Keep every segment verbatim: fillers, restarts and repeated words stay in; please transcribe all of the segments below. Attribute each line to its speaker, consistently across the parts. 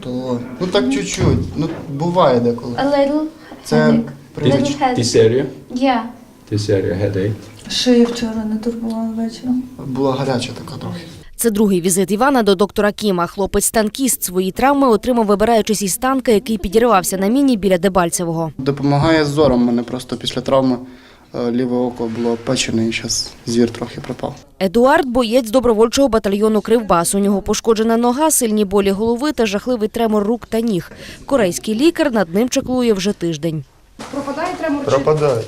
Speaker 1: То, ну так чуть-чуть, ну буває деколи.
Speaker 2: A little
Speaker 1: Це
Speaker 2: headache.
Speaker 1: привич.
Speaker 2: Little headache.
Speaker 3: Dysentery.
Speaker 2: Yeah.
Speaker 3: Dysentery, headache.
Speaker 4: Шию вчора не турбувала вечором.
Speaker 1: Була гаряча така трохи.
Speaker 5: Це другий візит Івана до доктора Кіма. Хлопець-танкіст свої травми отримав, вибираючись із танка, який підірвався на міні біля Дебальцевого.
Speaker 1: Допомагає з зором. У мене просто після травми е, ліве око було печене і зараз зір трохи пропав.
Speaker 5: Едуард – боєць добровольчого батальйону «Кривбас». У нього пошкоджена нога, сильні болі голови та жахливий тремор рук та ніг. Корейський лікар над ним чаклує вже тиждень.
Speaker 2: Пропадає тремор? чи-
Speaker 6: Пропадает.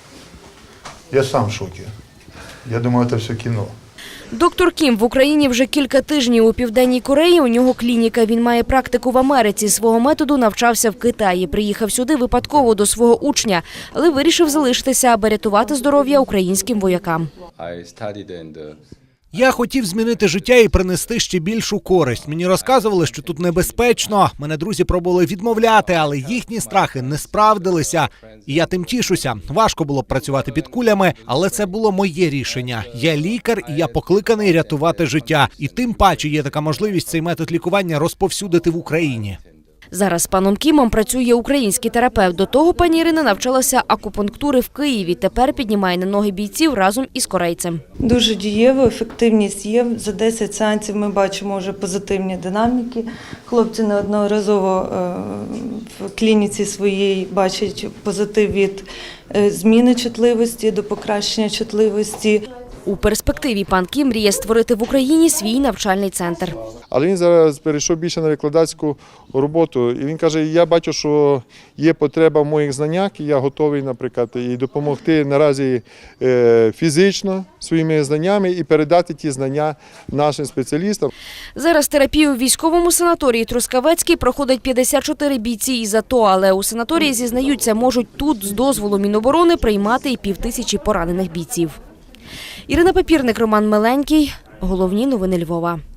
Speaker 6: Я сам в шоке. Я думаю, это все кино.
Speaker 5: Доктор Кім в Україні вже кілька тижнів. У Південній Кореї у нього клініка. Він має практику в Америці. Свого методу навчався в Китаї. Приїхав сюди випадково до свого учня, але вирішив залишитися, аби рятувати здоров'я українським воякам.
Speaker 3: I studied in the
Speaker 7: Я хотів змінити життя і принести ще більшу користь. Мені розказували, що тут небезпечно. Мене друзі пробували відмовляти, але їхні страхи не справдилися. І я тим тішуся. Важко було б працювати під кулями, але це було моє рішення. Я лікар, і я покликаний рятувати життя. І тим паче є така можливість цей метод лікування розповсюдити в Україні.
Speaker 5: Зараз з паном Кімом працює український терапевт. До того пані Ірина навчалася акупунктури в Києві. Тепер піднімає на ноги бійців разом із корейцем.
Speaker 4: Дуже дієво, ефективність є. За десять сеансів ми бачимо вже позитивні динаміки. Хлопці неодноразово е, в клініці своїй бачать позитив від е, зміни чутливості до покращення чутливості.
Speaker 5: У перспективі пан Кім мріє створити в Україні свій навчальний центр.
Speaker 6: Але він зараз перейшов більше на викладацьку роботу. І він каже, я бачу, що є потреба в моїх знаннях, і я готовий, наприклад, і допомогти наразі е, фізично своїми знаннями і передати ті знання нашим спеціалістам.
Speaker 5: Зараз терапію в військовому санаторії Трускавецький проходить п'ятдесят чотири бійці із АТО, але у санаторії, зізнаються, можуть тут з дозволу Міноборони приймати і півтисячі поранених бійців. Ірина Папірник, Роман Миленький. Головні новини Львова.